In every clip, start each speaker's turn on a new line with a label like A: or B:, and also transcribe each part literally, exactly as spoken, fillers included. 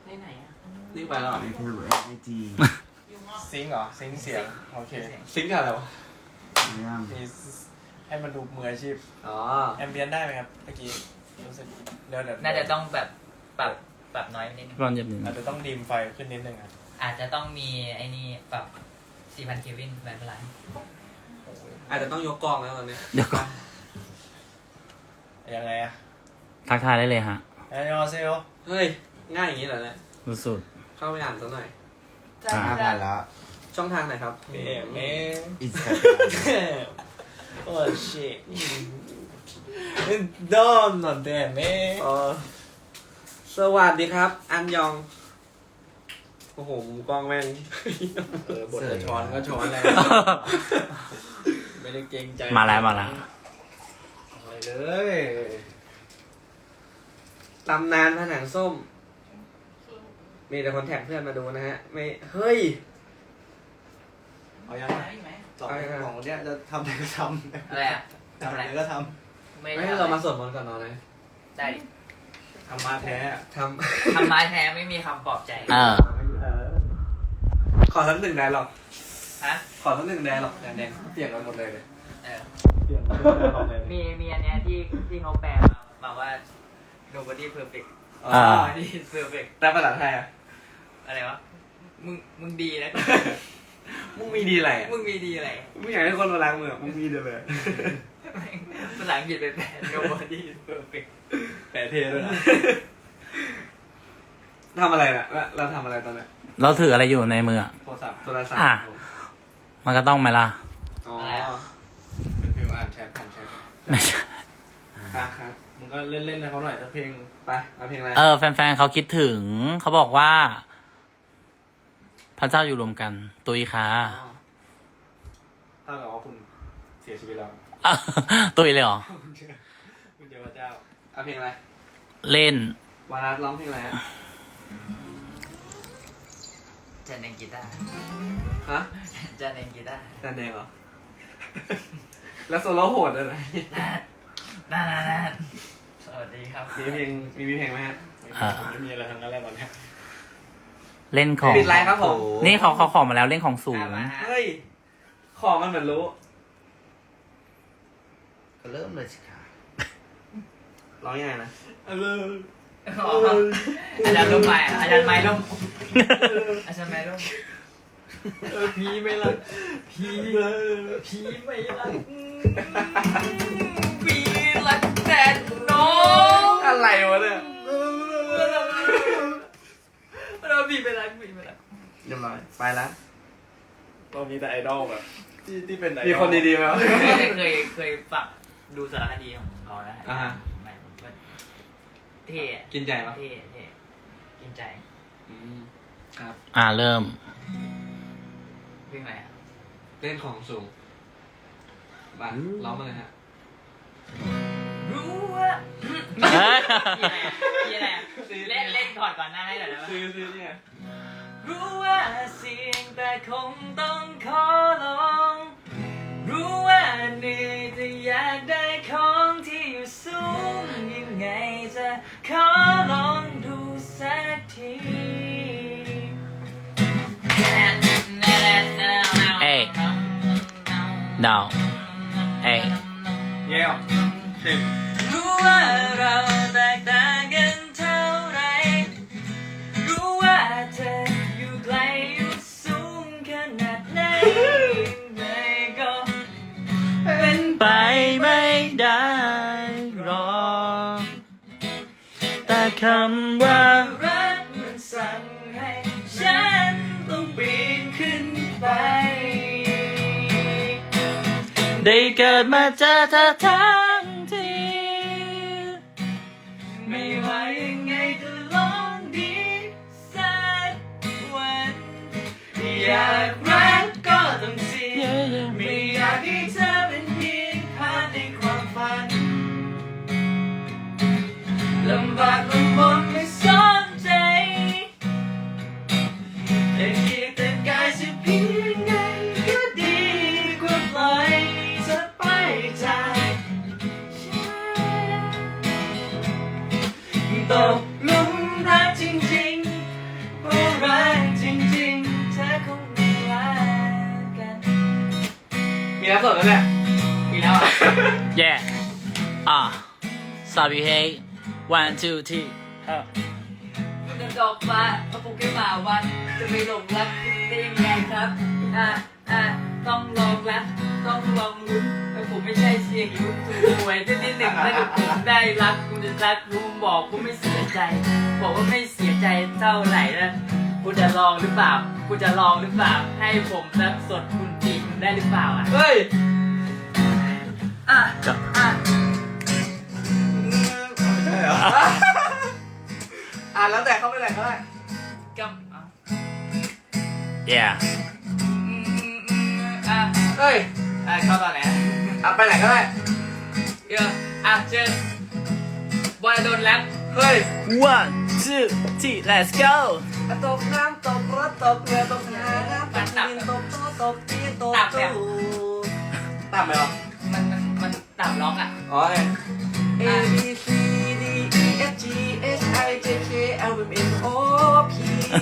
A: ในไหนอ่ะ
B: นี่ไปแล้วเหรอ
C: ในเทเลไอจี
D: ซิงค์เหรอซิงค์เสียงโอเค
B: ซิงค์กับอะไรวะ
C: เรื่อง
D: มีให้มันดูมืออาชีพ
B: อ๋อ
D: แอมเบียนได้ไหมครับเมื่อกี้รู้สึกเดี๋ยวเดี๋ยว
A: น่าจะต้องแบบปรับปรับน้อยนิดนึง
E: ร้อนเย็บนิด
D: อาจจะต้องดีมไฟขึ้นนิดนึงอ่ะ
A: อาจจะต้องมีไอ้นี่ปรับสี่พันเควินแบบไร
B: อาจจะต้องยกกล้องแล้วตอนนี้
E: เดี๋ยวก่อน
D: ยังไงอะ
E: ทักทายได้เลยฮะ
D: แอนยอเซล
B: เฮ้ยง่ายอย่างนี้เหรอเนี่ย
E: สุด
B: เข้าไปอ่านสักหน่อย
C: ห้าพันแล้ว
B: ช่องทางไหนครับ
D: เอ็มเอ
C: อินสตาแกรม
D: โอ้ชิดอมหนอนเดมเม
B: เออสวัสดีครับ อันยอง โอ้โหมุมกล้องแม่ง
D: เออบทจะช้อนก็ช้อนแล้ว
E: ๆ
D: ไม่ได้เกรงใจ
E: มาแล้วมาแล้ว
D: อะไรเลย
B: ตำนานผนังส้ม มีแต่คนแท็กเพื่อนมาดูนะฮะ ไม่ เฮ้ย
D: เอายังไงสองของเนี้ยจะทำอะไรก็ทำ
A: อะไรอ่ะ
D: ทำอะไรก็ท
A: ไม่
B: ไม่ให้เรามาสวดมนต์ก่อนนอนเลย
A: ได้
D: ำทำมาแท้
B: ท
A: ทำไม้แท้ไม่มีคำปลอบใจ
E: เออ
B: ำ ขอสักหนึ่งได้หรอก
A: ฮะ
B: ขอสักหนึ่งได้หรอกแดงๆเปลี่ยนกันหมดเลยเลย
A: เออ
D: เปลี่ยนมาเป็นหลอกเลย
A: มีมีอันเนี้ยที่ที่เขาแปลมามาว่า nobody perfect
B: อ๋อ
E: อ่า
A: nobody perfect
B: แต่ภาษาไทยอ่ะ
A: อะไรวะมึงมึงดีนะ
B: มึงมีดีอะไรอ่ะ
A: มึงมีดีอะไร
B: มึงอยากให้คนมาล้างมือมึงมีดีเลย
A: ภาษาอังกฤษเป็นแปล nobody perfect
D: แปะเทด้วยนะ
B: ทำอะไรน่ะแล้วเราทำอะไรตอนเนี้ย
E: เราถืออะไรอยู่ในมืออะ
D: โทรศัพท์
B: โทรศัพท์
E: อ่ะ มันก็ต้องไหมล่ะ
B: อ๋อ
D: เป็นฟิลอ่านแชทผ่านแชท
E: ไม่ใช่
B: อ่ะครับ
D: มึงก็เล่นๆให้เขาหน่อยถ้าเพลง
B: ไปเอาเพลงอะไร
E: เออ แฟนๆเขาคิดถึง เขาบอกว่า พระเจ้าอยู่รวมกัน ตุยค่ะ
B: อ๋อ
D: ถ้าเกิดว่าคุณเสียชีวิตแล้ว
E: ตุยเลยเหรอ
D: คุณเจอคุณเจอพระเจ้า
B: เอาเพลงอะไร
E: เล่น
B: วารัสร้องเพลงอะไรฮะ
A: จะเล่นกีตาร์
B: ฮะ
A: จะเล่นกีตาร์
B: แดนแดงเหรอ แล้วโซโล่โหดอะไร
A: น่าน่าน่าสวัสดีครับ
B: มีเพลงมีมีเพลงไหมฮะ
E: อ่า
D: ไม่มีอะไรทั้งนั้นแหละตอนเนี้ย
E: เล่นของ
B: ปิดไลน์ครับผม
E: นี่เขาเขาขอมาแล้วเล่นของสูง
A: อ่ะมาฮะ
B: เฮ้ย ขอมันเหมือนรู้
C: ก็เริ่มเลยสิค่ะ
B: ร้องยังไงนะ
D: เออ
A: อ๋ออาจารย์ร่มไปอ่ะอาจารย์ไม้ร่มอาจารย์ไม้ร่ม
D: เออพีไม่รักพีพีไม่รัก
A: ปีรักแต่น้อง
B: อะไรวะเนี่ย
A: เราปีไปรักปีไปรัก
B: เรียบร้อยไปแล้ว
D: เรามีแต่ไอดอลแบบที่ที่เป็นไอดอล
B: มีคนดีๆไหมวะ
A: เคยเคยเคยฝักดูสารคดีของเขานะ
B: อ่าฮะ
A: ไม่มันเท่อะ
B: กินใจปะ
A: เท่เท่กินใจ
B: อืมครับ
E: อ่าเริ่ม
A: เพลงอะไรอ่ะ
B: เล่นของสูงบ้าร้องมาเลยฮะ
A: รู้ว่า
E: เฮ้ย
A: พี่อะไรอ่ะพี่อะไรอ่ะเล่นเล่นก่อนก่อนหน้าให้หน่อยได้ไหม
B: ซื้อซื้อเนี่ย
A: รู้ว่าเสี่ยงแต่คงต้องขอลอง รู้ว่าเหนื่อยแต่อยากได้ของที่อยู่สูงยังไงจะขอลองดูสักที
E: เอ้ย ดาว เอ้ย
B: เยี่ยมถึง
A: รู้ว่าเราแตกต่างกันเท่าไร รู้ว่าเธออยู่ไกลอยู่สูงขนาดไหนยังไงก็เป็น
E: ไปไม่ได้หรอก แต่คำว่า
A: รักมันสั่งให้ฉันต้องปีนขึ้นไป
E: ได้เกิดมาเจอเธอทั้งที
A: ไม่ว่ายังไงก็ลองดีสักวัน อยากรักก็ต้องเสี่ยงไม่อยากให้เธอเป็นเพียงภาพในความฝันลำบากลำบนไม่สนใจแต่เกียรติกายจะเพียงไงก็ดีกว่าปล่อยเธอไปจากฉันต้อง
B: สดแล้วเนี่ย
A: อีกแล้วอ่ะ
E: yeah อ่ะ sorry hey one two three เออ
A: คุณจะดอกฟ้าพระปุกแก้มาวันจะไปหลงรักคุณได้ยังไงครับอ่ะอ่ะต้องลองรักต้องลองลุ้นแต่ผมไม่ใช่เชียร์อยู่ถูกหวยที่ที่หนึ่งถ้าเกิดผมได้รักคุณจะรักรู้บอกคุณไม่เสียใจ บอกว่าไม่เสียใจเท่าไหร่นะคุณจะลองหรือเปล่าคุณจะลองหรือเปล่าให้ผมรักสดคุณจีบได้หรือเปล่าอ่ะ
B: เฮ้ย
A: อ่ะอ่ะ
C: ใช่เหรอ
B: อ่ะแล้วแต่เขาไปไหนก็ได้
A: กำอ่ะ
E: yeah
A: อืมอืมอืมอ่ะ
B: เฮ้ย
A: อ่ะเข้าตอนไหน
B: อ่ะไปไหนก็ได้
A: เดี๋ยวอ่ะเชิญบอยโดนแล้ว
B: เฮ้ย
E: one two three let's go
B: ตกน้ำตกรถตกเรือตกหาน้ำตกดินตกโต๊ะตกที่ตกตู้ต่ำไหมหรอ
A: มันมันมันต่ำล็อกอ่ะ
B: อ๋อเนี่ย A B C D E F G H I J K L M N O P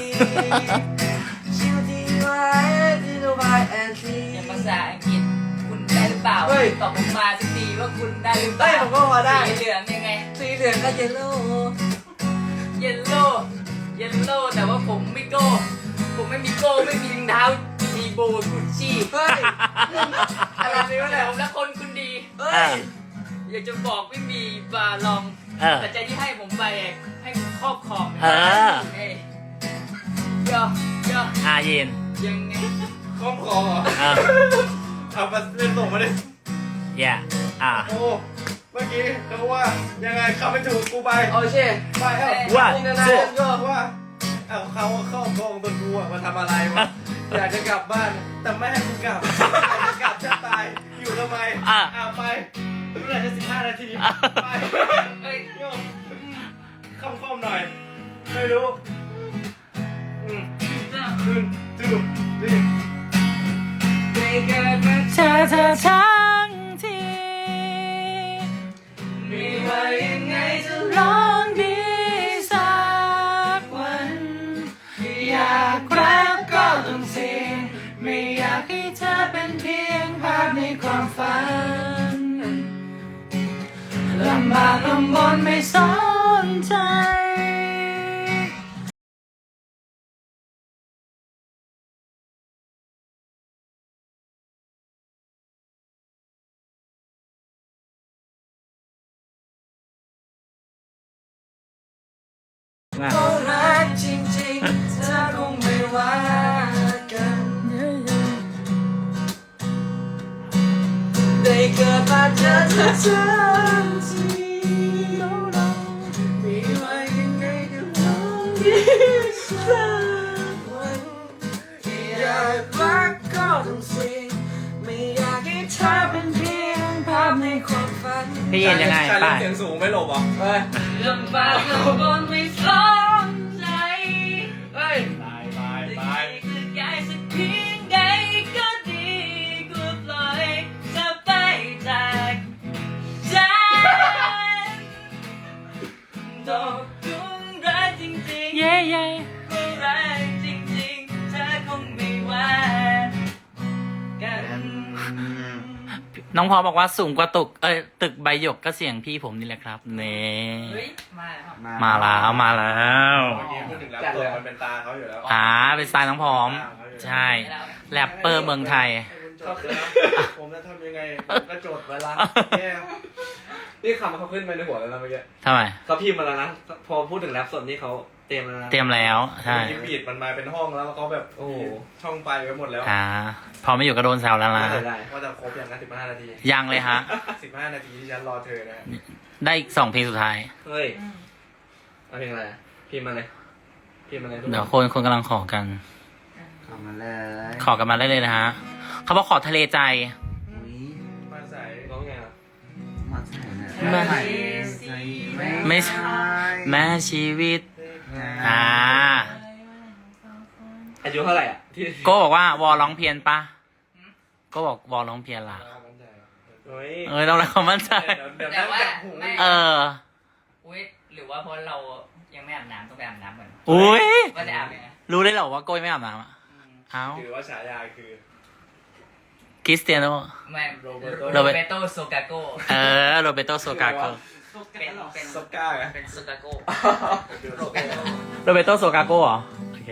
B: Q T Y Z Y and Z
A: อย่างภาษาอังกฤษคุณได้หรือเปล่า
B: เฮ้ย
A: ตอบผมมาสักทีว่าคุณได้หรือเปล่า
B: เฮ้ยผมก็พอได้
A: สีเหลืองยังไง
B: สีเหลืองก็เยลโล่
A: เยลโล่เยลโล่แต่ว่าผมไม่โก้ผมไม่มีโก้ไม่มีรองเท้าดีโบกุชชี่
B: เฮ้ยอะไรนี่วะเนี่ย
A: ผมและคนคุณดี
B: เฮ้
E: อ่ะ
B: ย
A: อยากจะบอกไม่มีบาลอง
E: เออ
A: แต่ใจที่ให้ผมไปให้ผมครอบครอง
E: เออ
A: เอ้ยเยอะเยอะ
E: อาเย็น
A: ยังไง
C: คล้องคอเหรอ
E: เออ
C: เอามาเล่นส่งมาดิ
E: yeah อ่ะ
C: โอ้เมื่อกี้เขาว่ายังไงเข้าไม่ถูกกูไป
B: โอเค
C: ไปเอ้า
E: ว่า
B: นี่นะนะเล่นก็
C: ว่าเอาเขาเข้ากองตัวกูอะมาทำอะไรวะอยากจะกลับบ้านแต่ไม่ให้กูกลับอยากจะกลับจะตายอยู่ทำไม
E: อ่ะ
C: เอาไปเมื่อไหร่จะสิบห้านาทีไป
A: เอ้ย
C: โยมคำคอมหน่อยไม่รู้อืมคืนจูบดิ
A: ได้เกิดมา
E: เธอเธอทั้งที
A: ไม่ว่ายังไงจะ
E: ร้องดีสักวัน อยากรักก็ต้องเสี่ยงไม่อยากให้เธอเป็นเพียงภาพในความฝันลำบากลำบนไม่สนใจอ่ะ
B: ก็รักจริงๆเธอคงไม่ว่ากันได้เกิดมาเจอเธอทันทีไม่ว่ายังไงก็ลองดีสักวันอยากรักก็ต้องสิ่งไม่อยากให้เธอเป็นเพียงภาพในความฝัน
E: พี่เย็นยังไง
C: ชา
E: ไป
C: เล่นเสียงสูงไม่หลบเหรอ
B: เฮ้ย
A: ลำบากลำบนไม่สนใจ
B: เฮ้ย
C: ตายตาย
A: จะ
C: ตาย
A: ดีจะย้ายสักเพียงใดก็ดีกว่าปล่อยเธอไปจากฉันตกหลุมรักจริงๆ
E: เย้เย้
A: ก็รักจริงๆเธอคงไม่ว่ากัน
E: น้องพอบอกว่าสูงกว่าตึก เอ้ยตึกใบหยกก็เสียงพี่ผมนี่แหละครับเน่
A: เฮ้ยมาแล้ว
E: มาแล้วมาแล้ว
C: เมื่อกี้พูดถึงแล้วตัวมันเป็นตาเขาอยู่แล้ว
E: อ่าเป็นสไตล์น้องพร้อม ใช่แรปเปอร์เมืองไทย
C: ก็คือผมจะทำยังไงก็จดเวลาแก้
B: นี่คำเขาขึ้นไปในหัวแล้วนะเมื่อกี้
E: ทำไม
B: เขาพิมพ์มาแล้วนะ พอพูดถึงแรปสดนี่เขาเตรียมแล้วนะ
E: เตรียมแล้วใช่
C: มีบีดมันมาเป็นห้องแล้วเขาแบบ
B: โอ้โห
C: ช่องไปไว้หมดแล้ว
E: อ่าพอไม่อยู่ก็โดนแซวแล้วนะ
B: น่าเสียดาย
C: ว่าจะครบอย่างนั้นสิบห้านาที
E: ยังเลยฮะ
C: สิบห้านาทีที่ฉันรอเธอนะ
E: ได้อีกสองเพลงสุดท้าย
B: เฮ้ยเอาเพลงอะไรพิมพ์มาเลยพิมพ์มาเลยทุก
E: เดี๋ยว
B: ค
E: คน นคนกำลังขอกัน
C: เข้ามาเลย
E: ขอกันมาได้เลยนะฮะเขาบอกขอทะเลใจ
C: มาใส่
B: ร้องไงอ่ะ
C: มาใส่เนี่ย
E: มา ไม่ใช่แม้ชีวิต อ่า
B: อายุเท่าไหร่อ่ะที่
E: โก็บอกว่าวอร้องเพียนปะโก็บอกวอร้องเพียนล่ะ
B: เฮ้ย
E: เอ้ยต้องรักความมั่นใจ
C: เดี๋ยวเดี๋ยวนั่งจับหู
E: เออ
A: อุ้ยหรือว่าเพราะเรายังไม่อาบน้ำต้องไปอาบน้ำเหมือน
E: อุ้ย
A: ว่าจะอาบยังไง
E: รู้ได้เหรอว่าโก้ยไม่อาบน้ำอ่ะ
A: อืม
E: เอ้า
C: ถือว่าฉายาคือ
E: คริสเตียโน
A: ไม่โร
E: โร
A: โร
E: เบ
A: เบโตโซกาโก
E: เออโรเบโตโซกาโก
A: เป็นเป็น
C: สก้าไง
A: เป็นโซกาโกโรเบโต
E: โรเบโตโซกาโกเหรอ โอเค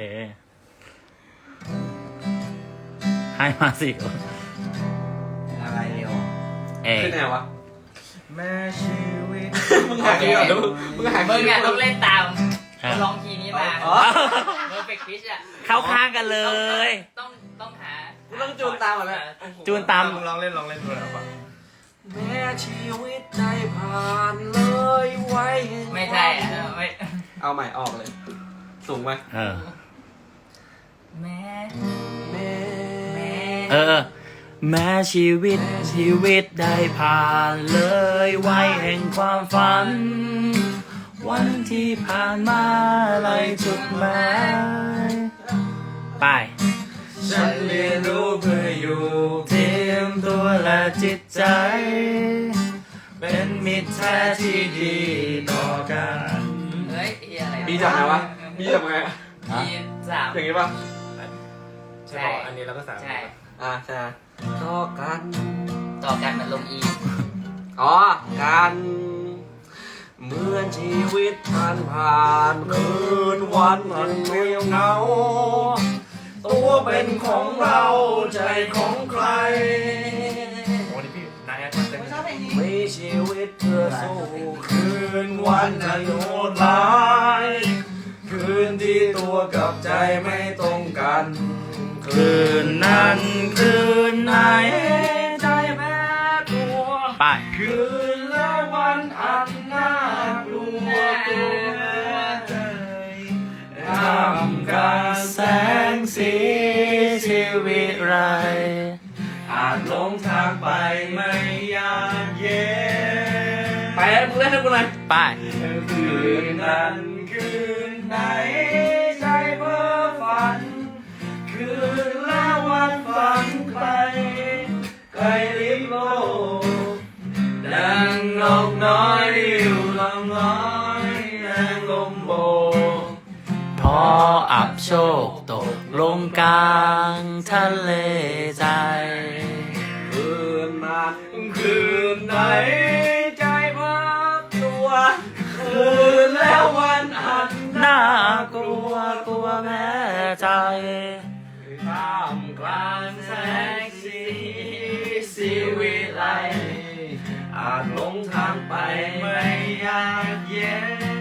E: ให้มาสิ
C: อะไรเดียว
E: เอ
C: ขึ้นไงวะ
D: แม่ชีวิต
C: มึงหาคีย์ก่อนมึงมึงหา
A: มึ
C: คี
A: ง
C: ย์
A: อ่ะ
C: ก่
A: ต้
C: อ
A: อน งเล่นตาม
E: ครับ
A: ลองคีย์นี้มา
C: อ๋อ
A: เพอร์เฟกต์พิชอ่ะ
E: เข้าข้างกันเลย
A: ต้องต้องหา
C: กูต้องจูนตามก่อนนะ
E: จูนตาม
C: มึงลองเล่นลองเล่นดูหน่อยป่ะ
B: แม้ชีวิตได้ผ่านเลยไว้ให้
A: ไม่ใช่อ่ะไม่
C: เอาใหม่ออกเลย สูงไหม
E: เออ
A: แม่
B: แม่
E: เออ แม้ชีวิตชีวิตได้ผ่านเลยวัยแห่งความฝัน วันที่ผ่านมาไรจุดหมายไป ฉันเรียนรู้เพื่ออยู่เทียมตัวและจิตใจ เป็นมิตรแท้ที่ดีต่อกัน
A: เฮ้ยเฮียอะไร
C: บีจับไงวะบีจับไง
A: บีสาม
C: อย่างงี้ป่ะ
A: ใช่
C: อันนี้เราก็สาม
A: ใช่
C: อ่าใช่
B: ต่อกัน
A: ต่อกันมันลงอี
C: อ๋อ การ
B: เหมือนชีวิตผ่านผ่านคืนวันอันเงียบเหงา ตัวเป็นของเราใจของใคร
C: โอ้นี่พี่นายแอดเต็ม
B: มีชีวิตเพื่อสู้คืนวันที่โหดร้ายคืนที่ตัวกับใจไม่ตรงกัน
E: คืนนั้นคืนไหน
B: ใจแพ้ตัว
E: ไป
B: คืนและวันอันน่ากลัวตัวใจท่ามกลางแสงสีชีวิตไร อาจหลงทางไปไม่ยากเย็น
C: ไปมึงเล่นให้กูหน่อย
E: ไป
B: คืนนั้นคืนไหนใจเพ้อฝัน คืนและวันฝันใครใครลิบโลกดังนกน้อยริ้วลำน้อยแรงลมโบก
E: พออับโชคตกลงกลางทะเลใจ
B: คืนนั้นคืนไหนใจพักตัว คืนแล้ววันอัน
E: น่ากลัวกลัวแพ้ใจ
B: ท่ามกลางแสงสีสีวิไลอาจหลงทางไปไม่ยากเย็น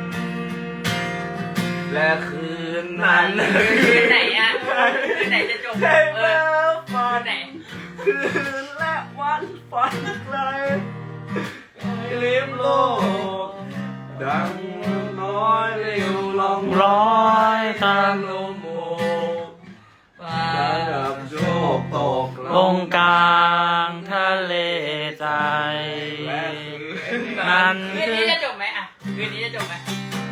B: และคืนนั้น
A: คืนไหนอ่ะคืนไหนจะจบ
B: ใช่
A: เอ
B: แล้
A: อ
B: ว
A: คื
B: ฝั
A: น
B: น
A: ไหน
B: คืนและวันฝันไกลลิมโลก ดังน้อยเร็วลอง
E: ร้อยตาม
B: ลมโบกระดับโชคตก
E: ลงกลางทะเลใจ
B: และคืน
E: นั่น
A: คืน
E: คือ
A: นี้จะจบไหมอ่ะคืนนี้จะจบไหม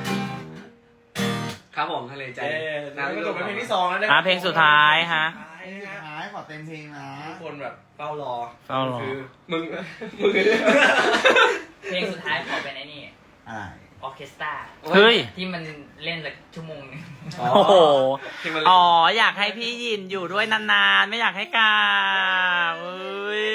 C: ครับผมทะเลใจ
D: เอ๊ะ
C: นะ
D: แล้วก็จบเป็นเพลงที่สองแล้วนะ
E: อ่ะเพลงสุดท้ายฮะ
F: หายขอเต็มเพลงนะ
C: ทุกคนแบบเฝ้ารอ
E: เฝ้ารอ
C: คือมึง มึง
A: เพลงสุดท้ายขอเป็นไอ้นี่
F: อะไร
A: ออร์เคสตรา
E: เฮ้ย
A: ที่มันเล่นละชั่วโมงนึง
C: อ๋อ
E: โอ้โห
C: ที่มัน
E: อ๋อ อยากให้พี่ยินอยู่ด้วยนานๆ ไม่อยากให้กลับเอ้ย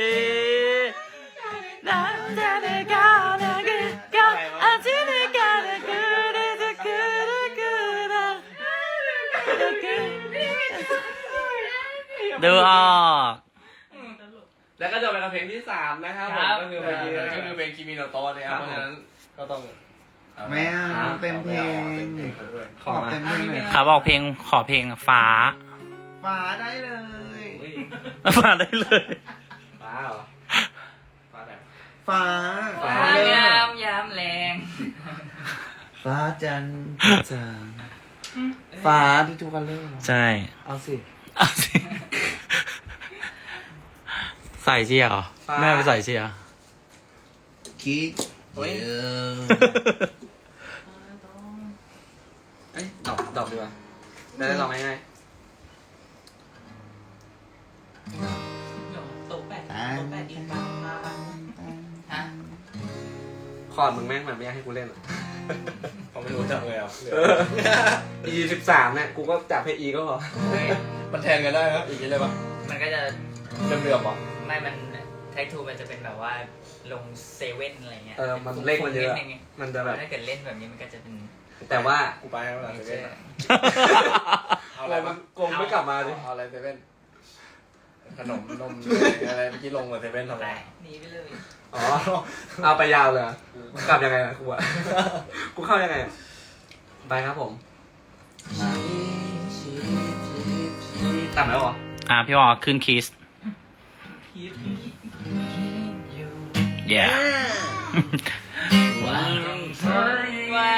E: ดูออก
C: แล้วก็จบไปกับเพลงที่สามนะครับผม
A: ครับ
C: ก็คือเพลงนี้ก็คือเพลงคิมิโนโตะนะครับเพราะฉะนั้นก็ต้อง
F: ไม่เอาเต็มเพลง ขอเต็มเพลงหน่อย
E: เขาบอกเพลงขอเพลงฟ้า
F: ฟ้าได้เลย
E: ฟ้าได้เลย
C: ฟ้าเหรอฟ้าไหน
F: ฟ้า
C: ฟ้า
A: ฟ้างามยามแรง
F: ฟ้าจันทร์จางฟ้าที่ทุกคนเล่น
E: ใช่
B: เอาสิ
E: เอาสิ ใส่เชียร์เหรอ
C: ฟ้า
E: แม่ไปใส่เชียร์
F: คิด
C: เฮ้ย
F: เยอะ
C: เอ้ยดอกดอกดีกว่าได้ได้ดอกง่าย
A: ตกแปด
F: ตา
A: ตกแปดอีกบ้างฮะ
C: ๆคอร์ดมึงแม่งแบบไม่อยากให้กูเล่นอ่ะ
D: ผมไม่รู้จักเลยอ่ะ
C: E สิบสามเนี่ยกูก็จับให้ E ก็พอ
A: เฮ้ย
D: มันแทนกันได้ครับอีกอะไรปะ
A: มันก็จะ
B: เรื่อมๆป่ะ
A: ไม่มันแท็กทูมันจะเป็นแบบว่าลงเซเว่นอะไรเงี้ย
B: เออมันเลขมันเยอะ
A: นิดนึงไง
B: มันจะแบบ
A: ถ้าเกิดเล่นแบบนี้มันก็จะเป็น
B: แต่ว่า
C: กูไปแล้วเซเว่น
B: เอาอะไรมันกงไม่กลับมาดิ
C: เอาอะไรเซเว่นขนมนมอะไรเมื่อกี้ลงมาเซเว่นทำไม
A: ได้หนีไปเลย
B: อ๋อเอาไปยาวเลยกลับยังไงอะกูอะกูเข้ายังไงอะไปครับผมตัดแล้วเหรอ
E: อ่าพี่วอขึ้นคีส yeah
A: ว่าต้องทนไว้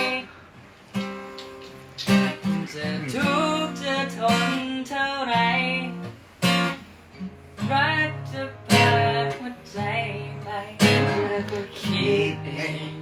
A: จะทุกข์จะทนเท่าไรรักจะพาหัวใจไปเธอก็คิดเอง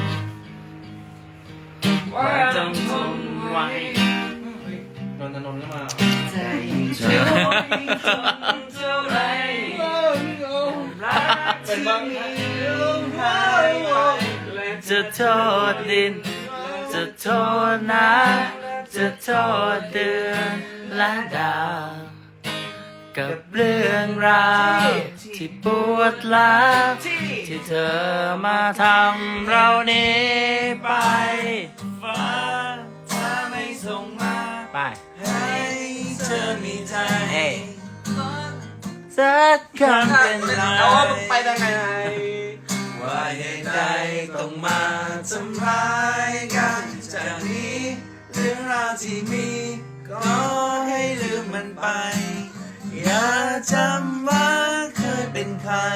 A: ว่าต้องทนไว้
C: นนทนนท์ก็มา
A: ใจจะทนเท่าไรรักที่มีลมหายไป
E: จะโทษดิน จะโทษน้ำจะโทษเดือนและดาวกับเรื่องราวที่ปวดร้าวที่เธอมาทำเรานี้ไปฟ้าถ้าไม่ส่งมาไปให้เธอมีใจสักคำเป็นไร
B: เอาไปยังไง
E: ว่าเหตุใดต้องมาทำร้ายกันจากนี้เรื่องราวที่มีก็ให้ลืมมันไป อย่าจำว่าเคยเป็นใคร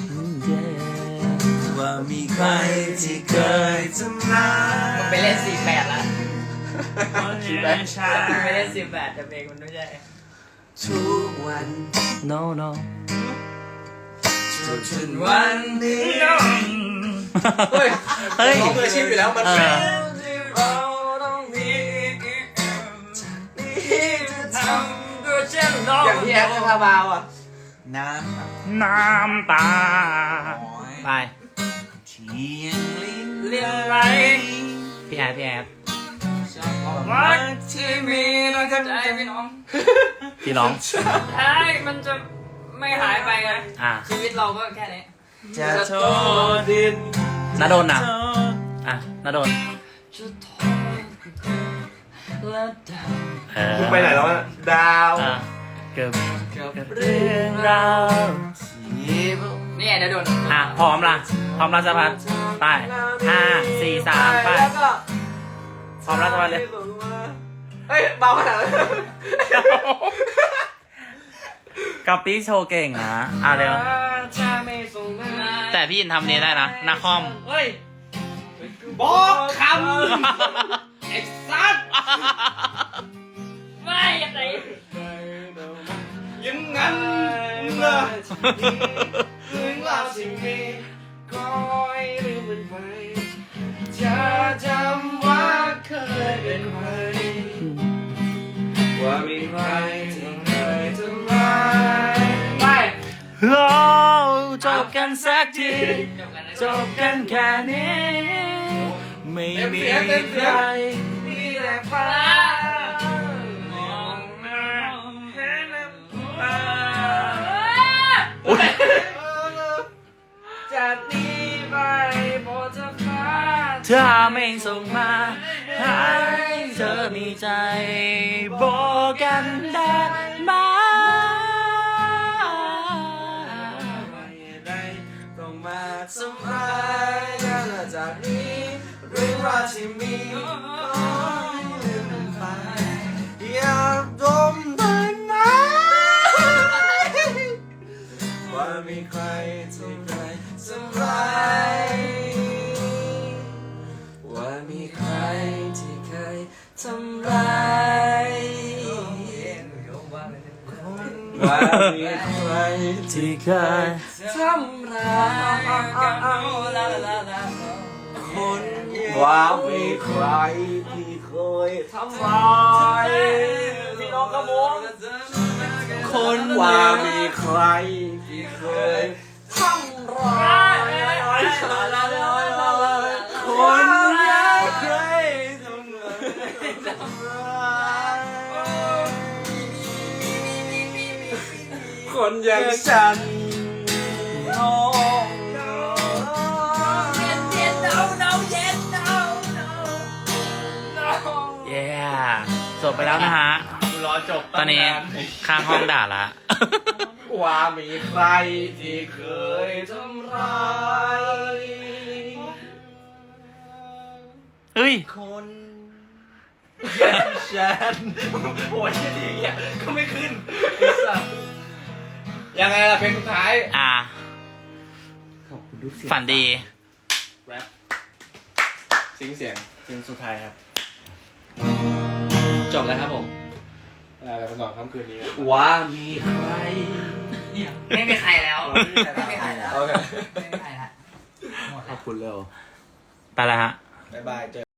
E: ว่ามีใครที่เคยทำร้าย
A: มึงไปเล่นสี่แปดละ
E: สี่แปด
A: มึงไปเล่นสี่แปดแต่เพลงมันไม่ใช่
E: ทุกวัน no no จนถึงวันนี้
B: เฮ้ย
E: เฮ้ย
B: เขาเคยชิมอยู่แล้วมัน
E: เอ
B: เป็น
E: อ
A: เราต้องมีนี่จะทำก็เช่นน้อง
B: อย่างที่แอปคาบาวอ่ะ
E: น้ำน้ำตาไปเชียงลิ้น
A: เรียนไร
E: พี่แอดพี่แอด
A: รักที่มีเราจะใจพี่น้อง
E: พี่ร้อง
A: ท้ายมันจะไม่หายไปไง
E: อ่ะ
A: ชีวิตเราก็แค่นี้
E: จะโทษดินนาโดนนะอ่ะนาโดน
A: จะทนและดาว
E: เออ
B: มึงไปไหนแล้วอะดาว
E: อ่ะเกือบกับเรื่องราวที่
A: นี่เดี๋ยวโดน
E: อ่ะพร้อมละพร้อมราชพัฒน์ไปห้าสี่สามไป
B: แล้วก็
E: พร้อมราชพัฒน์เลย
B: เฮ้ยเบาขนาดนั้น
E: ก๊อปปี้โชว์เก่งนะอ่ะเร็ว
A: จะไม่ส่งมา
E: แต่พี่ยินทำนี้ได้นะนาคอม
A: เฮ้ย
B: บอกคำไอ้สัตว์
A: ไม่ยังไง
B: ยังงั้นเหรอถึงเราสิ่งนี้คอยลืมมันไปจะจำว่าเคยเป็นใครว่ามีใครที่เคยทำร้ายไป
E: โอ้จบกันสักที จบกันแค่นี้ ไม่มีใคร
B: มีแต่ฟ้ามองหน้าเห็นน้ำตาจากนี้ไปโปรดเธอฟ้า
E: ถ้าไม่ส่งมาให้เธอมีใจบอกกันได้ไหม
B: ต้องมาทำร้ายกันจากนี้เรื่องราวที่มีขอให้ลืมมันไปอย่าดมได้ไหมว่ามีใครที่เคยทำร้ายว่ามีใครที่เคยทำร้ายว่ามีใครที่เคยทำร้ายคนว่ามีใครที่เคยทำร้ายพี่น้องกระมงคนว่ามีใครที่เคยทำร้ายคนยังเคยทำร้ายคนคนอย่างฉัน
E: เย้จบไปแล้วนะฮะ
C: รอจบ
E: ตอนนี้ข้างห้องด่าละ
B: ว่ามีใครที่เคยทำร้าย
E: เฮ้ย
C: คนอย่างฉันโอ้ยที่อย่างก็ไม่ขึ้นไอ้สัสยังไงล่ะเพลงสุดท้าย
E: อ่า
F: ขอบคุณทุกเสียง
E: ฝันดี
C: แรปซิงเสียงเพลงสุดท้ายครับ
D: จบแล้วครับผม
C: อะไรไปนอนค่ำคืนนี้
F: ว่ามีใคร
A: ไม่มีใครแล้ว ไม่มีใครแล้ว
C: โอเค
A: ไม่มีใครแล้ว
F: ขอบคุณเร็ว
E: ไปแล้วฮะ
C: บ๊ายบายเจอ